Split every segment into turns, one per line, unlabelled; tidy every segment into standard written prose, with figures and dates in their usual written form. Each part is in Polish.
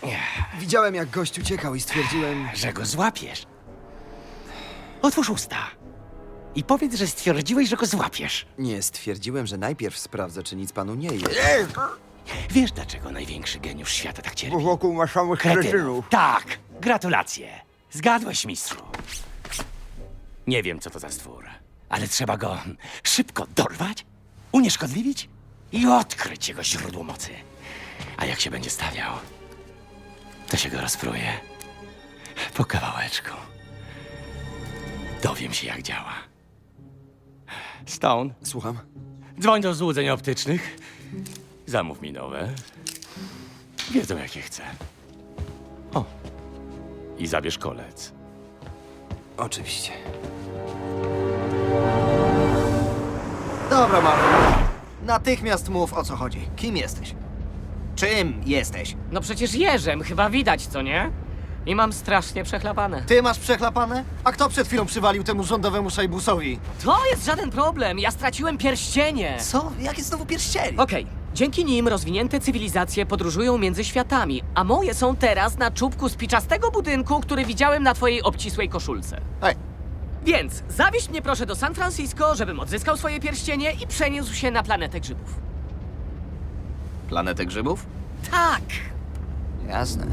Widziałem, jak gość uciekał i stwierdziłem...
Że go złapiesz. Otwórz usta. I powiedz, że stwierdziłeś, że go złapiesz.
Nie, stwierdziłem, że najpierw sprawdzę, czy nic panu nie jest.
Wiesz, dlaczego największy geniusz świata tak cierpi?
Wokół masz samych
Kretynów. Tak, gratulacje. Zgadłeś, mistrzu. Nie wiem, co to za stwór, ale trzeba go szybko dorwać, unieszkodliwić i odkryć jego źródło mocy. A jak się będzie stawiał, to się go rozpruje. Po kawałeczku. Dowiem się, jak działa. Stone,
Słucham?
dzwoń do złudzeń optycznych. Zamów mi nowe. Wiedzą, jakie chcę. O, i zabierz kolec.
Oczywiście.
Dobra, mały. Natychmiast mów, o co chodzi. Kim jesteś? Czym jesteś?
No przecież jeżem, chyba widać, co nie? I mam strasznie przechlapane.
Ty masz przechlapane? A kto przed chwilą przywalił temu rządowemu szajbusowi?
To jest żaden problem, ja straciłem pierścienie.
Co? Jakie znowu pierścienie?
Okej, dzięki nim rozwinięte cywilizacje podróżują między światami, a moje są teraz na czubku spiczastego budynku, który widziałem na twojej obcisłej koszulce.
Ej,
Więc zawieź mnie proszę do San Francisco, żebym odzyskał swoje pierścienie i przeniósł się na planetę grzybów.
planetę grzybów?
Tak!
Jasne.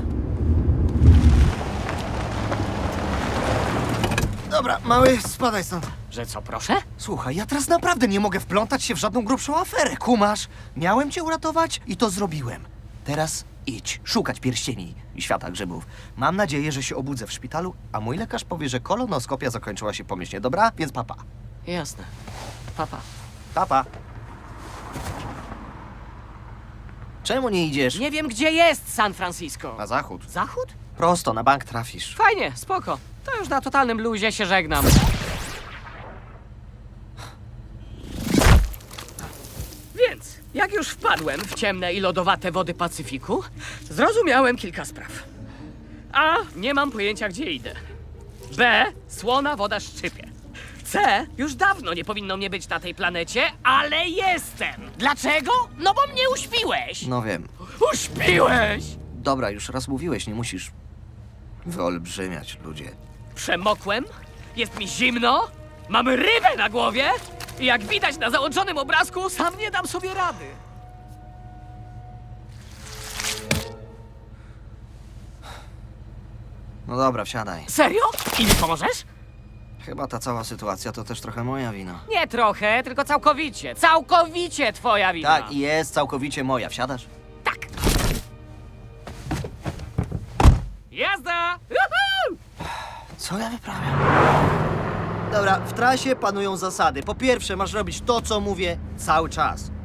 Dobra, mały, spadaj stąd.
Że co, proszę?
Słuchaj, ja teraz naprawdę nie mogę wplątać się w żadną grubszą aferę, kumasz? Miałem cię uratować i to zrobiłem. Teraz idź, szukać pierścieni i świata grzybów. Mam nadzieję, że się obudzę w szpitalu, a mój lekarz powie, że kolonoskopia zakończyła się pomyślnie. Dobra? Więc papa.
Jasne. Papa.
Papa. Czemu nie idziesz
Nie wiem, gdzie jest San Francisco.
na zachód?
Zachód?
Prosto, na bank trafisz.
Fajnie, spoko. To już na totalnym luzie się żegnam. Więc, jak już wpadłem w ciemne i lodowate wody Pacyfiku, zrozumiałem kilka spraw. A. Nie mam pojęcia, gdzie idę. B. Słona woda szczypie. C. Już dawno nie powinno mnie być na tej planecie, ale jestem. Dlaczego? No bo mnie uśpiłeś.
No wiem.
Uśpiłeś!
Dobra, już raz mówiłeś, nie musisz wyolbrzymiać, ludzie.
Przemokłem, jest mi zimno, mam rybę na głowie i jak widać na załączonym obrazku, sam nie dam sobie rady.
No dobra, wsiadaj.
Serio? I mi pomożesz?
Chyba ta cała sytuacja to też trochę moja wina.
Nie trochę, tylko całkowicie. Całkowicie twoja wina.
Tak, i jest całkowicie moja. Wsiadasz?
Tak. Jazda! Juhu!
Co ja wyprawiam? Dobra, w trasie panują zasady. Po pierwsze, masz robić to, co mówię cały czas.